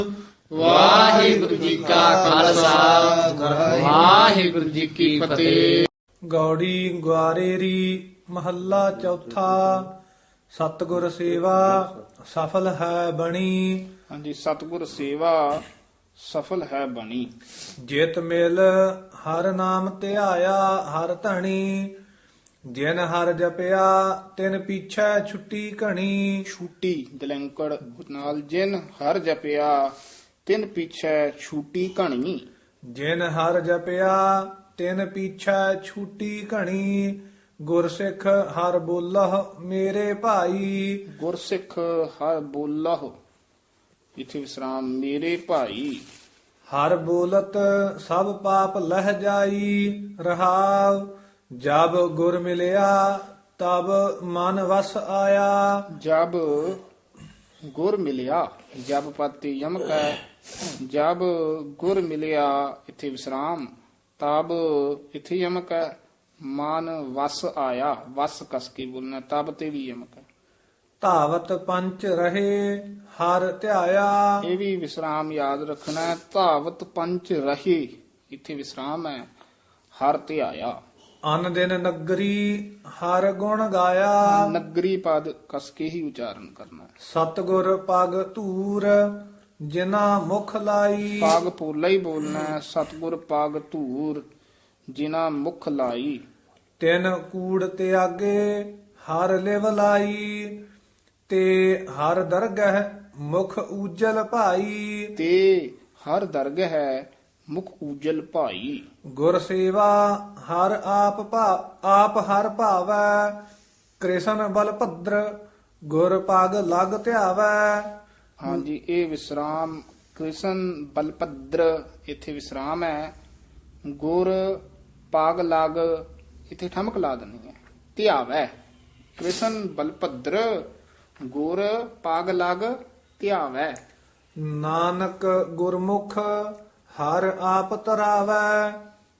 ਵਾਹਿਗੁਰੂ ਜੀ ਕਾ ਖਾਲਸਾ ਵਾਹਿਗੁਰੂ ਜੀ ਕੀ ਫਤਿਹ। ਗੌੜੀ ਗੁਆਰੇਰੀ ਮਹੱਲਾ ਚੌਥਾ। ਸਤਿਗੁਰ ਸੇਵਾ ਸਫਲ ਹੈ ਬਣੀ। ਹਾਂਜੀ, ਸਤਿਗੁਰ ਸੇਵਾ ਸਫਲ ਹੈ ਬਣੀ। ਜਿਤ ਮਿਲ ਹਰ ਨਾਮ ਧਿਆਇਆ ਹਰ ਧਣੀ। ਜਿਨ ਹਰ ਜਪਿਆ ਤਿਨ ਪੀਛੈ ਛੁੱਟੀ ਘਣੀ। ਛੂਟੀ ਦਲੰਕੜ ਨਾਲ ਜਿਨ ਹਰ ਜਪਿਆ ਤਿਨ ਪਿਛੈ ਛੂਟੀ ਘਣੀ। ਜਿਨ ਹਰ ਜਪਿਆ ਤਿਨ ਪੀਛੈ ਛੁੱਟੀ ਘਣੀ। ਗੁਰਸਿੱਖ ਹਰ ਬੋਲਹ ਮੇਰੇ ਭਾਈ। ਗੁਰਸਿੱਖ ਹਰ ਬੋਲਹੁ, ਇਥੇ ਵਿਸਰਾਮ, ਮੇਰੇ ਭਾਈ। ਹਰ ਬੋਲਤ ਸਭ ਪਾਪ ਲਹਿ ਜਾਈ। ਰਹਾਵ ਜਬ ਗੁਰ ਮਿਲਿਆ ਤਬ ਮਨ ਵਸ ਆਇਆ। ਜਬ ਗੁਰ ਮਿਲਿਆ, ਜਬ ਪਤੀ ਯਮਕ ਹੈ। ਜਬ ਗੁਰ ਮਿਲਿਆ, ਇਥੇ ਵਿਸਰਾਮ, ਤਬ ਇਥੇ ਯਮਕ ਹੈ। ਮਨ ਵਸ ਆਇਆ, ਵਸ ਕਸ ਕੇ ਬੋਲਣਾ, ਤਬ ਤੇ ਵੀ ਯਮਕ ਹੈ। ਧਾਵਤ ਪੰਚ ਰਹੇ ਹਰ ਧਿਆਇਆ। ਇਹ ਵੀ ਵਿਸਰਾਮ ਯਾਦ ਰੱਖਣਾ ਹੈ। ਧਾਵਤ ਪੰਚ ਰਹੇ, ਇੱਥੇ ਵਿਸਰਾਮ ਹੈ। ਹਰ ਧਿਆਇਆ। ਅਨ ਦਿਨ ਨਗਰੀ ਹਰ ਗੁਣ ਗਾਇਆ। ਨਗਰੀ ਪਦ ਕਸ ਕੇ ਹੀ ਉਚਾਰਨ ਕਰਨਾ ਹੈ। ਸਤਿਗੁਰ ਪਗ ਧੂਰ ਜਿਨਾ ਮੁਖ ਲਾਈ। ਪਗ ਪੋਲਾ ਹੀ ਬੋਲਣਾ ਹੈ। ਸਤਿਗੁਰ ਪਗ ਧੂਰ ਜਿਨਾ ਮੁਖ ਲਾਈ। ਤਿਨ ਕੂੜ ਤਿਆਗੇ ਹਰ ਲਿਵ ਲਾਈ। ਤੇ ਹਰ ਦਰਗਹ ਮੁਖ ਊਜਲ ਭਾਈ। ਤੇ ਹਰ ਦਰਗਹ ਹੈ ਮੁਖ ਊਜਲ ਭਾਈ। ਗੁਰ ਸੇਵਾ ਹਰ ਆਪ ਹਰ ਭਾਵੈ। ਕ੍ਰਿਸ਼ਨ ਬਲ ਭਦਰ ਗੁਰ ਪਗ ਲਗ ਧਿਆਵੈ। ਹਾਂਜੀ, ਇਹ ਵਿਸਰਾਮ ਕ੍ਰਿਸ਼ਨ ਬਲਪਦਰ, ਇੱਥੇ ਵਿਸਰਾਮ ਹੈ। ਗੁਰ ਪਾਗ ਲਗ, ਇੱਥੇ ਠਮਕ ਲਾ ਦੇਣੀ ਹੈ। ਧਿਆਵੈ, ਕ੍ਰਿਸ਼ਨ ਬਲਪਦਰ ਗੁਰ ਪਾਗ ਲਗ ਧਿਆਵੈ। ਨਾਨਕ ਗੁਰਮੁਖ ਹਰ ਆਪ ਤਰਾਵੈ।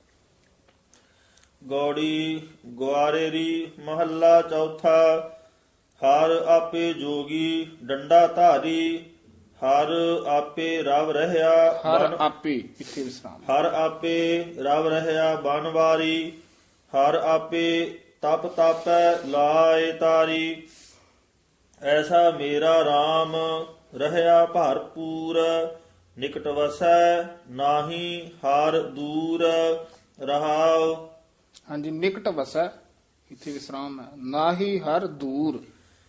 ਗੌੜੀ ਗੁਆਰੇਰੀ ਮਹੱਲਾ ਚੌਥਾ। ਹਰ ਆਪੇ ਜੋਗੀ ਡੰਡਾ ਧਾਰੀ। ਹਰ ਆਪੇ ਰਵ ਰਹਿਆ ਹਰ ਬਨ- ਆਪੇ, ਇੱਥੇ ਵਿਸਰਾਮ। ਹਰ ਆਪੇ ਰਵ ਰਹਿਆ ਬਨਵਾਰੀ। ਹਰ ਆਪੇ ਤਪ ਤਾਪੈ ਲਾਏ ਤਾਰੀ। ਐਸਾ ਮੇਰਾ RAM ਰਹਿਆ ਭਰਪੂਰ। ਨਿਕਟ ਵਸੈ ਨਾਹੀ ਹਰ ਦੂਰ। ਰਹਾਉ ਹਾਂਜੀ, ਨਿਕਟ ਵਸੈ, ਇੱਥੇ ਵਿਸਰਾਮ ਹੈ। ਨਾਹੀ ਹਰ ਦੂਰ।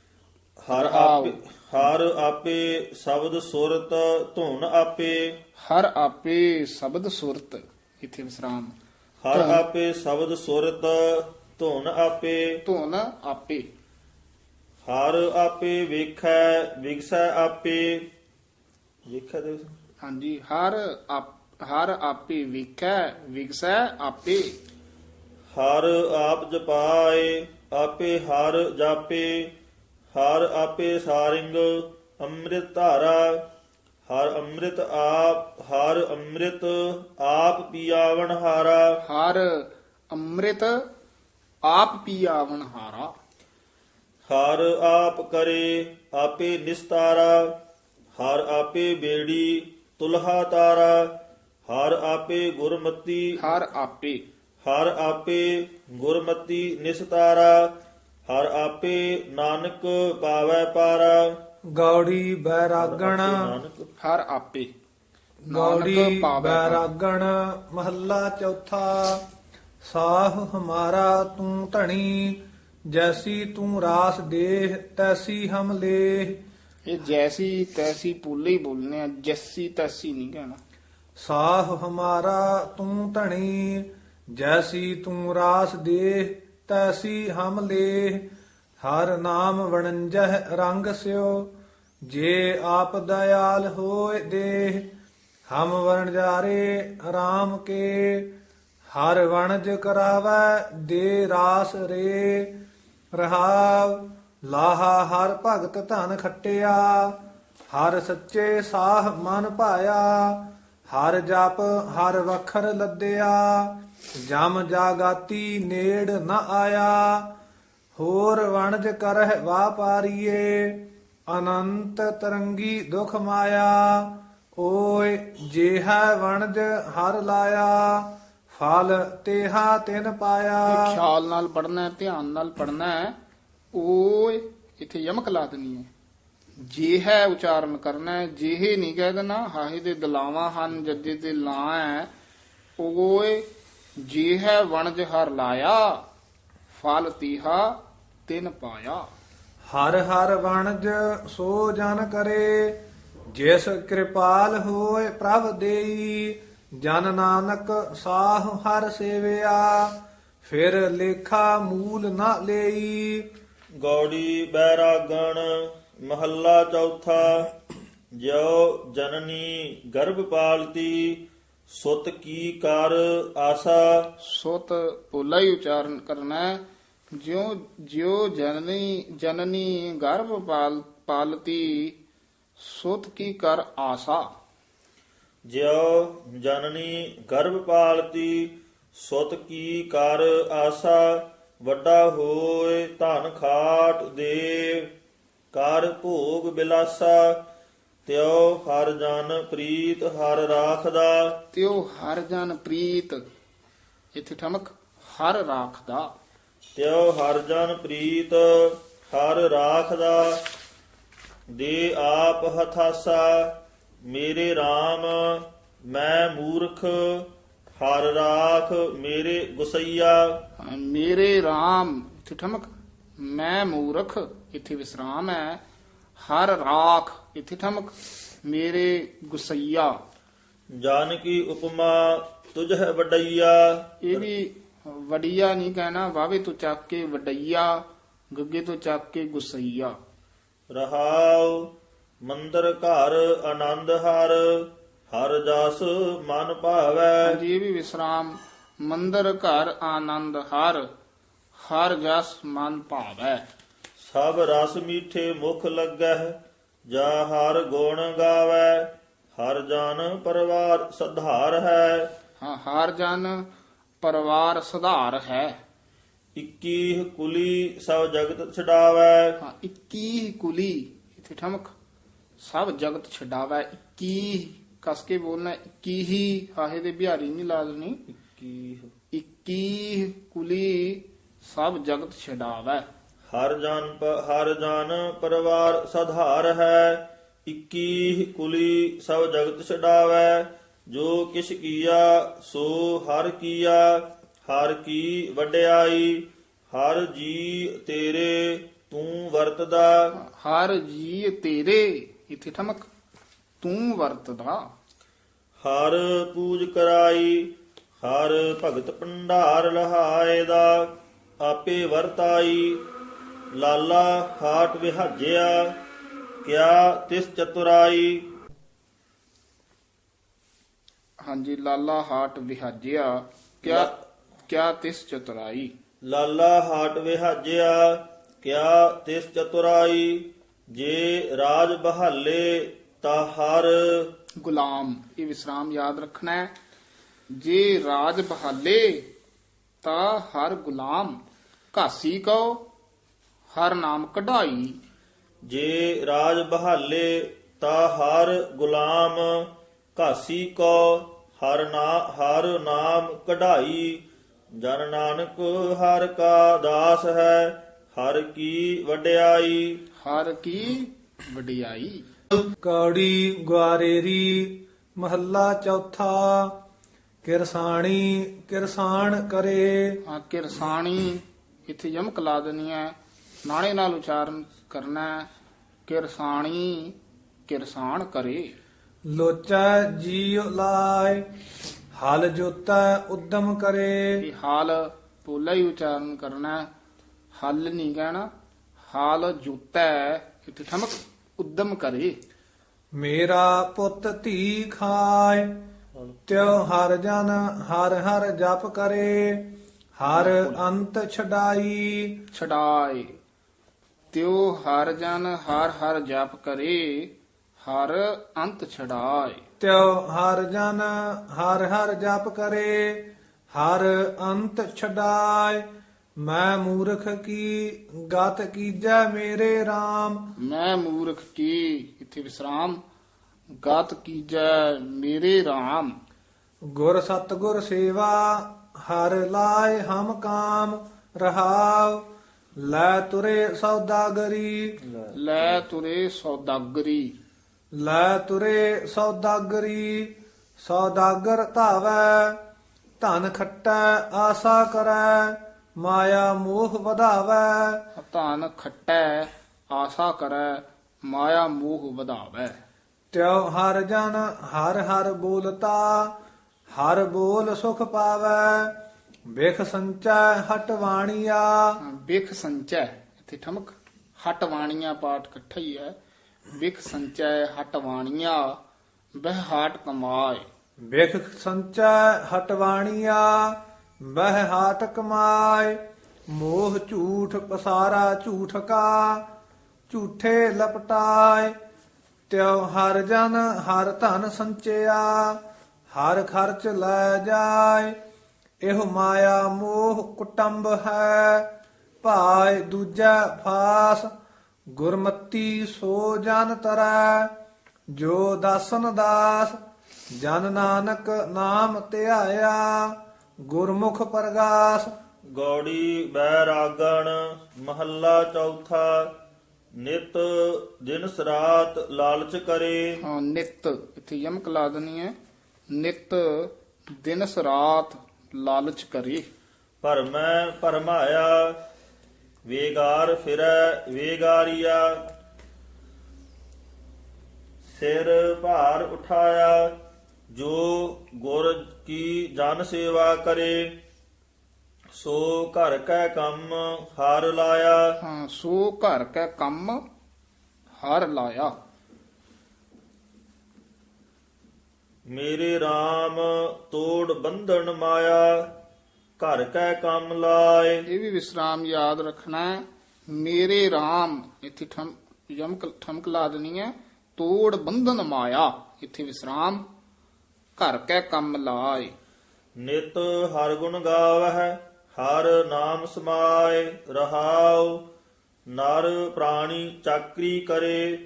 ਹਰ ਆਪੇ ਸ਼ਬਦ ਸੁਰਤ ਧੁਨ ਆਪੇ। ਹਰ ਆਪੇ ਸ਼ਬਦ ਸੁਰਤ, ਇੱਥੇ ਵਿਸਰਾਮ। ਹਰ ਆਪੇ ਸ਼ਬਦ ਸੁਰਤ ਧੁਨ ਆਪੇ। ਧੁਨ ਆਪੇ। ਹਰ ਆਪੇ ਵੇਖੈ ਵਿਗਸੈ ਆਪੇ। ਵੇਖੈ ਦੇ ਹਾਂਜੀ, ਹਰ ਆਪੇ ਵੇਖੈ ਵਿਗਸੈ ਆਪੇ। ਹਰ ਆਪ ਜਪਾਏ ਆਪੇ ਹਰ ਜਾਪੇ। ਹਰ ਆਪੇ ਸਾਰਿੰਗ ਅੰਮ੍ਰਿਤ ਧਾਰਾ। ਹਰ ਅੰਮ੍ਰਿਤ ਆਪ ਪੀਆਵਣ ਹਾਰਾ। ਹਰ ਅੰਮ੍ਰਿਤ ਆਪ ਪੀਆਵਣ ਹਾਰਾ। ਹਰ ਆਪ ਕਰੇ ਆਪੇ ਨਿਸਤਾਰਾ। ਹਰ ਆਪੇ ਬੇੜੀ ਤੁਲਹਾ ਤਾਰਾ। ਹਰ ਆਪੇ ਗੁਰਮਤੀ। ਹਰ ਆਪੇ। ਹਰ ਆਪੇ ਗੁਰਮਤੀ ਨਿਸਤਾਰਾ। ਹਰ ਆਪੇ ਨਾਨਕ ਪਾਵੈ ਪਾਰਾ। ਗੌੜੀ ਬੈਰਾਗਣ ਹਰ ਆਪੇ। ਗੌੜੀ ਨਾਨਕ ਪਾਵੈ ਪਾਰਾ। ਬੈਰਾਗਣ ਮਹੱਲਾ ਚੌਥਾ। ਸਾਹ ਹਮਾਰਾ ਤੂੰ ਧਣੀ। ਜੈਸੀ ਤੂੰ ਰਾਸ ਦੇਹ ਤੈਸੀ ਹਮ ਲੇਹ। ਇਹ ਜੈਸੀ ਤੈਸੀ ਪੂਲੇ ਹੀ ਬੋਲਨੇ ਆ, ਜੈਸੀ ਤੈਸੀ ਨਹੀਂ ਕਹਿਣਾ। ਸਾਹ ਹਮਾਰਾ ਤੂੰ ਧਣੀ। ਜੈਸੀ ਤੂੰ ਰਾਸ ਦੇਹ ਤੈਸੀ ਹਮ ਲੇਹ। ਹਰ ਨਾਮ ਵਣੰਜਹ ਰੰਗ ਸਿਓ। ਜੇ ਆਪ ਦਇਆਲ ਹੋਏ ਦੇਹ। ਹਮ ਵਣਜਾਰੇ RAM ਕੇ। ਹਰ ਵਣਜ ਕਰਾਵੈ ਦੇ ਰਾਸ ਰੇ। ਰਹਾਵ ਲਾਹਾ ਹਰ ਭਗਤ ਧਨ ਖੱਟਿਆ। ਹਰ ਸੱਚੇ ਸਾਹ ਮਨ ਭਾਇਆ। ਹਰ ਜਪ ਹਰ ਵਖਰ ਲੱਦਿਆ। ਜਮ ਜਾਗਾਤੀ ਨੇੜ ਨ ਆਇਆ। ਹੋਰ ਵਣਜ ਕਰਹਿ ਵਾਪਾਰੀਏ। ਅਨੰਤ ਤਰੰਗੀ ਦੁਖ ਮਾਇਆ। ਓ ਲਾਇ ਜੇਹਾ ਵਣਜ ਹਰ ਲਾਇਆ ਫਲ ਤੇਹਾ ਤਿਨ ਪਾਇਆ। ਇਹ ਖਿਆਲ ਨਾਲ ਪੜਨਾ, ਧਿਆਨ ਨਾਲ ਪੜਨਾ। ਓਏ ਇੱਥੇ ਯਮਕ ਲਾ ਦੇਣੀ ਹੈ। ਜੇ ਹੈ ਉਚਾਰਨ ਕਰਨਾ ਹੈ, ਜਿਹੇ ਨਹੀਂ ਕਹਿ ਦੇਣਾ। ਹਾਹੇ ਦੇ ਦਲਾਵਾਂ ਹਨ, ਜੱਜੇ ਤੇ ਲਾਂ ਹੈ। ਓਏ ਜੇ ਹੈ ਵਣਜ ਹਰ ਲਾਇਆ ਫਲ ਤੀਹਾ ਤਿਨ ਪਾਇਆ। ਹਰ ਹਰ ਵਣਜ ਸੋ ਜਨ ਕਰੇ ਜਿਸ ਕਿਰਪਾਲ ਹੋਏ ਪ੍ਰਭ ਦੇਈ। ਜਨ ਨਾਨਕ ਸਾਹ ਹਰ ਸੇਵਿਆ ਫਿਰ ਲੇਖਾ ਮੂਲ ਨਾ ਲਈ। ਗੌੜੀ ਬੈਰਾਗਣ ਮਹੱਲਾ ਚੌਥਾ। ਜਿਉ ਜਨਨੀ ਗਰਭ ਪਾਲਤੀ ਸੁਤ ਕੀ ਕਰ ਆਸਾ। ਸੁਤ ਪੋਲਾ ਹੀ ਉਚਾਰਨ ਕਰਨਾ ਹੈ। ਜਿਉ ਜਨਨੀ ਗਰਭ ਪਾਲਤੀ ਸੁਤ ਕੀ ਕਰ ਆਸਾ। ਜਿਉ ਜਨਨੀ ਗਰਭ ਪਾਲਤੀ ਸੁਤ ਕੀ ਕਰ ਆਸਾ। ਵੱਡਾ ਹੋਏ ਧਨ ਖਾਟ ਦੇ ਕਰ ਭੋਗ ਬਿਲਾਸਾ। ਤਿਉ ਹਰ ਜਨ ਪ੍ਰੀਤ ਹਰ ਰਾਖਦਾ। ਤਿਉ ਹਰ ਜਨ ਪ੍ਰੀਤ ਇੱਥੇ ਠਮਕ ਹਰ ਰਾਖਦਾ। ਤਿਉ ਹਰ ਜਨ ਪ੍ਰੀਤ ਹਰ ਰਾਖਦਾ। ਦੇ ਆਪ ਹਥਾਸਾ ਮੇਰੇ RAM ਮੈਂ ਮੂਰਖ ਹਰ ਰਾਖ ਮੇਰੇ ਗੁਸਈਆ। ਮੇਰੇ RAM ਇੱਥੇ ਠਮਕ ਮੈਂ ਮੂਰਖ ਇੱਥੇ ਵਿਸਰਾਮ ਹੈ। ਹਰ ਰਾਖ ਇੱਥੇ ਠਮਕ ਮੇਰੇ ਗੁਸਈਆ। ਜਾਨ ਕੀ ਉਪਮਾ ਤੁਝ ਹੈ ਵਡਈਆ। ਇਹ ਵੀ ਵਡਈਆ ਨਹੀਂ ਕਹਿਣਾ, ਵਾਵੇ ਤੋਂ ਚੱਕ ਕੇ ਵਡਈਆ, ਗੱਗੇ ਤੋਂ ਚੱਕ ਕੇ ਗੁਸਈਆ। ਰਹਾਉ ਮੰਦਰ ਘਰ ਆਨੰਦ ਹਰ ਹਰ ਜਸ ਮਨ ਭਾਵੈ। ਜੀ ਵੀ ਵਿਸਰਾਮ। ਮੰਦਰ ਘਰ ਆਨੰਦ ਹਰ ਹਰ ਜਸ ਮਨ ਭਾਵੈ। ਸਭ ਰਸ ਮੀਠੇ ਮੁਖ ਲੱਗਹਿ ਜਾ ਹਰ ਗੁਣ ਗਾਵੈ। ਹਰ ਜਨ ਪਰਿਵਾਰ ਸਧਾਰ ਹੈ। ਹਾਂ, ਹਰ ਜਨ ਪਰਿਵਾਰ ਸੁਧਾਰ ਹੈ। 21 ਕੁਲੀ ਸਭ ਜਗਤ ਛਡਾਵੈ। ਹਾਂ, 21 ਕੁਲੀ ਇੱਥੇ ਠਮਕ ਸਭ ਜਗਤ ਛਡਾਵੈ। 21 ਕਸ ਕੇ ਬੋਲਣਾ। 21 ਹੀ ਹਾਹੇ ਦੇ ਬਿਹਾਰੀ ਨਹੀਂ ਲਾ ਦੇਣੀ। 21 ਕੁਲੀ ਸਭ ਜਗਤ ਛਡਾਵੈ। ਹਰ ਜਨ ਪਰਿਵਾਰ ਸਧਾਰ ਹੈ। 21 ਕੁਲੀ ਸਭ ਜਗਤ ਛਡਾਵੈ। ਜੋ ਕਿਛ ਕੀਆ ਸੋ ਹਰ ਕੀਆ। ਹਰ ਕੀ ਵਡਿਆਈ ਹਰ ਜੀ ਤੇਰੇ ਤੂੰ ਵਰਤਦਾ। ਹਰ ਜੀ ਤੇਰੇ ਇੱਥੇ ਠਮਕ ਤੂੰ ਵਰਤਦਾ। ਹਰ ਪੂਜ ਕਰਾਈ ਹਰ ਭਗਤ ਭੰਡਾਰ ਲਹਾਏ ਦਾ। ਆਪੇ ਵਰਤਾਈ ਲਾਲਾ ਹਾਟ ਵਿਹਾਜਿਆ ਕਿਆ ਤਿਸ ਚਤੁਰਾਈ। ਹਾਂਜੀ, ਲਾਲਾ ਹਾਟ ਵਿਹਾਜਿਆ ਕਿਆ ਤਿਸ ਚਤੁਰਾਈ। ਲਾਲਾ ਹਾਟ ਵਿਹਾਜਿਆ ਕਿਆ ਤਿਸ ਚਤੁਰਾਈ। ਜੇ ਰਾਜ ਬਹਾਲੇ ਤਾ ਹਰ ਗੁਲਾਮ ਇਹ ਵਿਸਰਾਮ ਯਾਦ ਰੱਖਣਾ ਹੈ। ਜੇ ਰਾਜ ਬਹਾਲੇ ਤਾਂ ਹਰ ਗੁਲਾਮ। ਘਾਸੀ ਕਉ ਹਰ ਨਾਮ ਕਢਾਈ। ਜੇ ਰਾਜ ਬਹਾਲੇ ਤਾ ਹਰ ਗੁਲਾਮ। ਘਾਸੀ ਕੋ ਹਰ ਨਾਮ ਕਢਾਈ। ਜਨ ਨਾਨਕ ਹਰ ਕਾ ਦਾਸ ਹੈ ਹਰ ਕੀ ਵਡਿਆਈ। ਹਰ ਕੀ ਵਡਿਆਈ। ਕੌੜੀ ਗੁਆਰੇਰੀ ਮਹੱਲਾ ਚੌਥਾ। ਕਿਰਸਾਣੀ ਕਿਰਸਾਨ ਕਰੇ। ਹਾਂ, ਕਿਰਸਾਣੀ ਇੱਥੇ ਯਮਕ ਲਾ ਦੇਣੀ ਹੈ। ਨਾਣੇ ਨਾਲ ਉਚਾਰਨ ਕਰਨਾ ਹੈ। ਕਿਰਸਾਣੀ ਕਿਰਸਾਨ ਕਰੇ। ਲੋਚੈ ਜੀਉ ਲਾਇ ਹਲ ਜੋਤੈ ਉਦਮ ਕਰੇ। ਇਹ ਹਾਲ ਪੋਲਾ ਹੀ ਉਚਾਰਨ ਕਰਨਾ ਹੈ। ਹਲ ਨਹੀਂ ਕਹਿਣਾ। ਹਾਲ ਜੁੱਤੈ ਇੱਥੇ ਠਮਕ ਉਦਮ ਕਰੇ। ਮੇਰਾ ਪੁੱਤ ਧੀ ਖਾਇ ਤਿਉ ਹਰ ਜਨ ਹਰ ਹਰ ਜਪ ਕਰੇ। ਹਰ ਅੰਤ ਛਡਾਈ। ਛਡਾਏ ਤਿਉ ਹਰ ਜਨ ਹਰ ਹਰ ਜਪ ਕਰੇ। ਹਰ ਅੰਤ ਛਡਾਏ। ਤਿਉ ਹਰ ਜਨ ਹਰ ਹਰ ਜਪ ਕਰੇ। ਹਰ ਅੰਤ ਛਡਾਇ। ਮੈਂ ਮੂਰਖ ਕੀ ਗਤ ਕੀਜੈ ਮੇਰੇ RAM। ਮੈਂ ਮੂਰਖ ਕੀ ਇੱਥੇ ਵਿਸਰਾਮ। ਗਾਤ ਕੀਜੈ ਮੇਰੇ RAM। ਗੁਰ ਸਤਗੁਰ ਸੇਵਾ ਹਰ ਲਾਇ ਹਮ ਕਾਮ ਰਹਾਉ। ਲੈ ਤੁਰੇ ਸੌਦਾਗਰੀ ਲੈ ਤੁਰੇ ਸੌਦਾਗਰੀ। ਲੈ ਤੁਰੇ ਸੌਦਾਗਰੀ ਸੌਦਾਗਰ ਧਾਵੈ। ਧਨ ਖੱਟੈ ਆਸਾ ਕਰੈ ਮਾਇਆ ਮੋਹ ਵਧਾਵੈ। ਧਨ ਖੱਟੈ ਆਸਾ ਕਰੈ ਮਾਇਆ ਮੋਹ ਵਧਾਵੈ। ਤਿਉ ਹਰ ਜਨ ਹਰ ਹਰ ਬੋਲਤਾ ਹਰ ਬੋਲ ਸੁਖ ਪਾਵੈ। ਬਿਖ ਸੰਚੈ ਹਟ ਵਾਣੀਆ ਬਿਖ ਸੰਚੈ ਇੱਥੇ ਠਮਕ ਹਟ ਵਾਣੀਆਂ ਪਾਠ ਇਕੱਠਾ ਹੀ ਹੈ। ਬਿਖ ਸੰਚੈ ਹਟ ਵਾਣੀਆਂ ਬਹਿ ਹਾਟ ਕਮਾਏ। ਬਿਖ ਸੰਚੈ ਹਟ ਵਾਣੀਆ ਬਹਿ ਹਾਟ ਕਮਾਏ। ਮੋਹ ਝੂਠ ਪਸਾਰਾ ਝੂਠ ਕਾ ਝੂਠੇ ਲਪਟਾਏ। ਤਿਉ ਹਰ ਜਨ ਹਰ ਧਨ ਸੰਚਿਆ ਹਰ ਖਰਚ ਲੈ ਜਾਏ। ਇਹੋ ਮਾਇਆ ਮੋਹ ਕੁਟੰਬ ਹੈ ਭਾਇ ਦੂਜਾ ਫਾਸ। ਗੁਰਮਤੀ ਸੋ ਜਨ ਤਰੈ ਜੋ ਦਾਸਨ ਦਾਸ। ਜਨ ਨਾਨਕ ਨਾਮ ਧਿਆਇਆ ਗੁਰਮੁਖ ਪਰਗਾਸ। ਗੌੜੀ ਬੈਰਾਗਣ ਮਹੱਲਾ ਚੌਥਾ। ਨਿਤ ਦਿਨਸ ਰਾਤ ਲਾਲਚ ਕਰੇ। ਹਾਂ ਨਿਤ ਇੱਥੇ ਯਮਕ ਲਾ ਦੇਣੀ ਹੈ। ਨਿਤ ਦਿਨਸ ਰਾਤ ਲਾਲਚ ਕਰੇ। ਭਰਮੈ ਭਰਮਾਇਆ ਵੇਗਾਰ ਫਿਰੈ ਵੇਗਾਰੀਆ। ਸਿਰ ਭਾਰ ਉਠਾਇਆ ਜੋ ਗੁਰ ਕੀ ਜਨ ਸੇਵਾ ਕਰੇ। ਸੋ ਘਰ ਕੈ ਕੰਮ ਹਰ ਲਾਇਆ। ਹਾਂ ਸੋ ਘਰ ਕੈ ਕੰਮ ਹਰ ਲਾਇਆ। ਮੇਰੇ RAM ਤੋੜ ਬੰਧਨ ਮਾਇਆ ਘਰ ਕੈ ਕੰਮ ਲਾਏ। ਇਹ ਵੀ ਵਿਸਰਾਮ ਯਾਦ ਰੱਖਣਾ ਹੈ। ਮੇਰੇ RAM ਇੱਥੇ ਯਮਕ ਠਮਕ ਲਾ ਦੇਣੀ ਹੈ। ਤੋੜ ਬੰਧਨ ਮਾਇਆ ਇੱਥੇ ਵਿਸਰਾਮ ਘਰ ਕੈ ਕੰਮ ਲਾਏ। ਨਿਤ ਹਰ ਗੁਣ ਗਾਵਹਿ ਹਰ ਨਾਮ ਸਮਾਏ ਰਹਾਉ। ਨਰ ਪ੍ਰਾਣੀ ਚਾਕਰੀ ਕਰੇ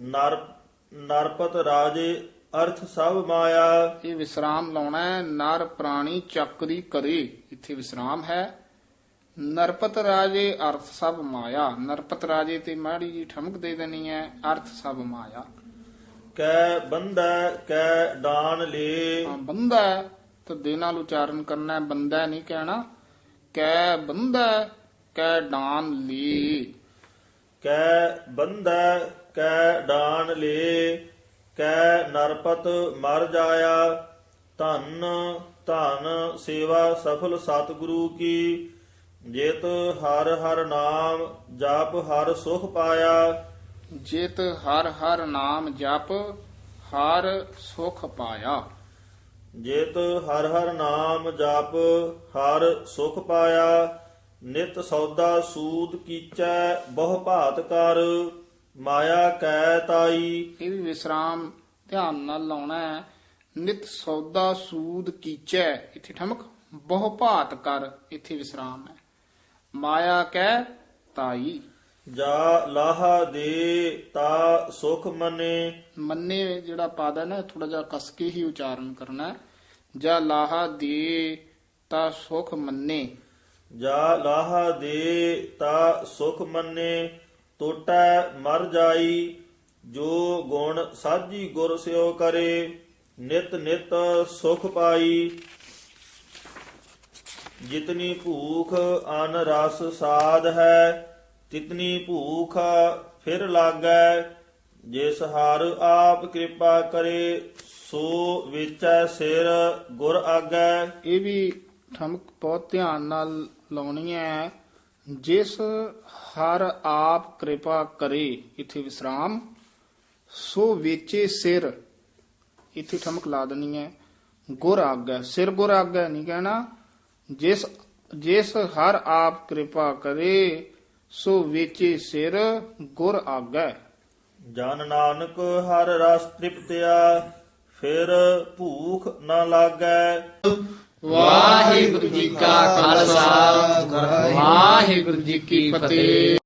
ਨਰਪਤ ਰਾਜੇ ਅਰਥ ਸਭ ਮਾਇਆ। ਇਹ ਵਿਸਰਾਮ ਲਾਉਣਾ ਹੈ। ਨਰ ਪ੍ਰਾਣੀ ਚੱਕਰੀ ਕਰੇ ਇੱਥੇ ਵਿਸਰਾਮ ਹੈ। ਨਰਪਤ ਰਾਜੇ ਅਰਥ ਸਭ ਮਾਇਆ। ਨਰਪਤ ਰਾਜੇ ਤੇ ਮਾੜੀ ਜੀ ਠਮਕ ਦੇ ਦੇਣੀ ਹੈ। ਅਰਥ ਸਭ ਮਾਇਆ। ਕੈ ਬੰਧੈ ਕੈ ਡਾਨ ਲੇ। ਹਾਂ ਬੰਦਾ ਤਾਂ ਦੇ ਨਾਲ ਉਚਾਰਨ ਕਰਨਾ ਹੈ। ਬੰਦਾ ਨਹੀਂ ਕਹਿਣਾ। ਕੈ ਬੰਦਾ ਕੈ ਡਾਨ ਲੀ। ਕੈ ਬੰਧੈ ਕੈ ਡਾਨ ਲੇ ਕੈ ਨਰਪਤ ਮਰ ਜਾਇਆ। ਧਨ ਧਨ ਸੇਵਾ ਸਫਲ ਸਤਿਗੁਰੂ ਕੀ। ਜਿਤ ਹਰ ਹਰ ਨਾਮ ਜਪ ਹਰ ਸੁਖ ਪਾਇਆ। ਜਿਤ ਹਰ ਹਰ ਨਾਮ ਜਪ ਹਰ ਸੁਖ ਪਾਇਆ। ਜਿਤ ਹਰ ਹਰ ਨਾਮ ਜਪ ਹਰ ਸੁਖ ਪਾਇਆ। ਨਿਤ ਸੌਦਾ ਸੂਦ ਕੀਚੈ ਬਹੁ ਭਾਤ ਕਰ ਮਾਇਆ ਕੈ ਤਾਈ। ਇਹ ਵੀ ਵਿਸਰਾਮ ਧਿਆਨ ਨਾਲ ਲਾਉਣਾ ਹੈ। ਨਿਤ ਸੌਦਾ ਸੂਦ ਕੀਚੈ ਇੱਥੇ ਠਮਕ ਬਹੁ ਭਾਤ ਕਰ ਇੱਥੇ ਵਿਸਰਾਮ ਹੈ। ਮਾਇਆ ਕੈ ਤਾਈ। ਜਾ ਲਾਹਾ ਦੇ ਤਾ ਸੁਖ ਮਨੇ। ਮੰਨੇ ਜਿਹੜਾ ਪਦ ਹੈ ਨਾ ਥੋੜਾ ਜਿਹਾ ਕਸ ਕੇ ਹੀ ਉਚਾਰਨ ਕਰਨਾ ਹੈ। ਜਾਂ ਲਾਹਾ ਦੇ ਤਾ ਸੁਖ ਮੰਨੇ। ਜਾ ਲਾਹਾ ਦੇ ਤਾ ਸੁਖ ਮੰਨੇ ਟੋਟੈ ਮਰ ਜਾਈ। ਜੋ ਗੁਣ ਸਾਜੀ ਗੁਰ ਸਿਓ ਕਰੇ ਨਿਤ ਨਿਤ ਸੁਖ ਪਾਈ। ਜਿਤਨੀ ਭੂਖ ਅਨ ਰਸ ਸਾਧ ਹੈ ਤਿਤਨੀ ਭੂਖ ਫਿਰ ਲਾਗੈ। ਜਿਸ ਹਰ ਆਪ ਕਿਰਪਾ ਕਰੇ ਸੋ ਵਿਚੈ ਸਿਰ ਗੁਰ ਆਗੈ। ਇਹ ਵੀ ਠਮਕ ਬਹੁਤ ਧਿਆਨ ਨਾਲ ਲਾਉਣੀ ਹੈ। ਜਿਸ ਹਰ ਆਪ ਕਿਰਪਾ ਕਰੇ ਇੱਥੇ ਵਿਸਰਾਮ। ਸੋ ਵੇਚੇ ਸਿਰ ਇੱਥੇ ਠਮਕ ਲਾ ਦੇਣੀ ਹੈ। ਗੁਰ ਆਗੈ ਸਿਰ ਗੁਰ ਆਗੈ ਨਹੀਂ ਕਹਿਣਾ। ਜਿਸ ਹਰ ਆਪ ਕਿਰਪਾ ਕਰੇ ਸੋ ਵੇਚੇ ਸਿਰ ਗੁਰ ਆਗੈ। ਜਨ ਨਾਨਕ ਹਰ ਰਸ ਤ੍ਰਿਪਤਿਆ ਫਿਰ ਭੂਖ ਨ ਲਾਗੈ। ਵਾਹਿਗੁਰੂ ਜੀ ਕਾ ਖਾਲਸਾ ਵਾਹਿਗੁਰੂ ਜੀ ਕੀ ਫਤਿਹ।